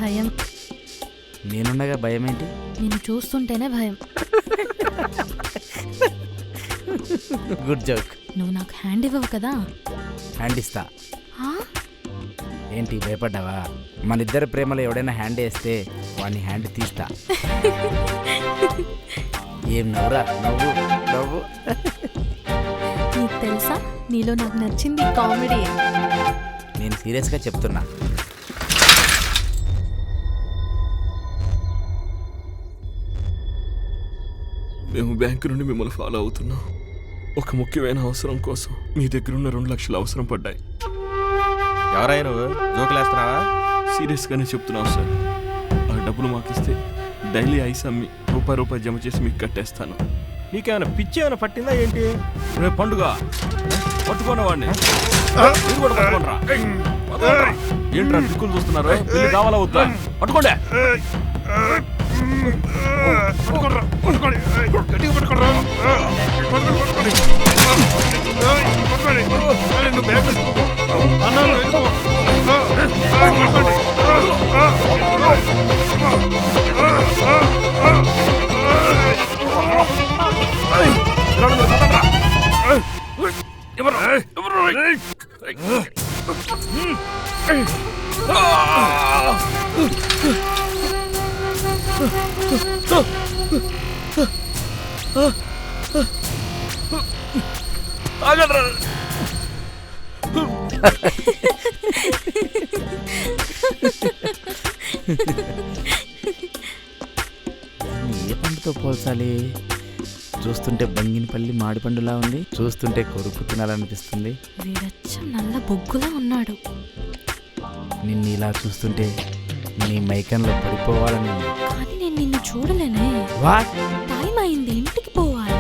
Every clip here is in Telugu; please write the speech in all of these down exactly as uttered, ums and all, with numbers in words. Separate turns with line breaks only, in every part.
భయం.
నేనుండగా భయం ఏంటి?
నిన్ను చూస్తుంటేనే భయం.
Good joke.
నువ్వు నాకు హ్యాండ్ ఇవ్వవు కదా?
హ్యాండ్ ఇస్తా.
ఆ?
ఏంటి భయపడ్డావా? మన ఇద్దరి ప్రేమలో ఎవడైనా హ్యాండ్ వేస్తే వాడిని హ్యాండ్ తీస్తా. ఏం నవ్వురా నవ్వు నవ్వు.
నీకు తెలుసా నీలో నాకు నచ్చింది కామెడీ.
నేను సీరియస్గా చెప్తున్నా.
మేము బ్యాంకు నుండి మిమ్మల్ని ఫాలో అవుతున్నాం. ఒక ముఖ్యమైన అవసరం కోసం మీ దగ్గర ఉన్న రెండు లక్షలు అవసరం పడ్డాయి.
ఎవరైనా నువ్వు జోకులేస్తున్నావా?
సీరియస్గానే చెప్తున్నావు సార్. ఆ డబ్బులు మాకిస్తే డైలీ ఐస్ అమ్మి రూపాయి రూపాయి జమ చేసి మీకు కట్టేస్తాను.
నీకేమైనా పిచ్చి ఏమైనా పట్టిందా ఏంటి?
రేపు పండుగ పట్టుకోండి వాడిని. మీరు కూడా పట్టుకోండిరా. ఏంట్రా దిక్కులు చూస్తున్నారు? పెళ్లి కావాలా వద్దా? పట్టుకోండి.
ఏ పండుతో పోల్చాలి? చూస్తుంటే బంగినపల్లి మాడిపండులా ఉంది, చూస్తుంటే కొరుకు తినాలనిపిస్తుంది.
వీడచ్చం నల్ల బొగ్గులా ఉన్నాడు.
నిన్ను ఇలా చూస్తుంటే నీ మైకంలో పడిపోవాలని.
కానీ నేను నిన్ను చూడలేనే.
వాట్?
టైం అయింది, ఇంటికి పోవాలి.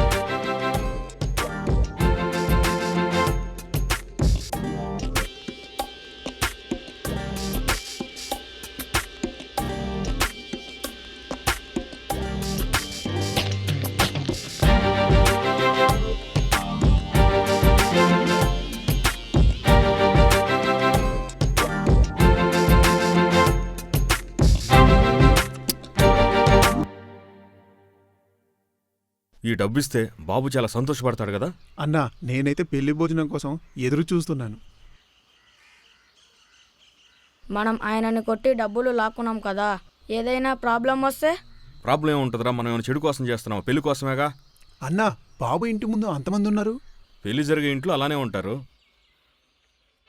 ఈ డబ్బు ఇస్తే బాబు చాలా సంతోషపడతాడు కదా
అన్నా. నేనైతే పెళ్లి భోజనం కోసం ఎదురు చూస్తున్నాను.
మనం ఆయనని కొట్టి డబ్బులు లాక్కున్నాం కదా, ఏదైనా ప్రాబ్లం వస్తే?
ప్రాబ్లం ఏముంటుందిరా? మనం ఏమైనా చెడు కోసం చేస్తున్నాం, పెళ్లి కోసమేగా.
అన్నా, బాబు ఇంటి ముందు అంతమంది ఉన్నారు.
పెళ్లి జరిగే ఇంట్లో అలానే ఉంటారు.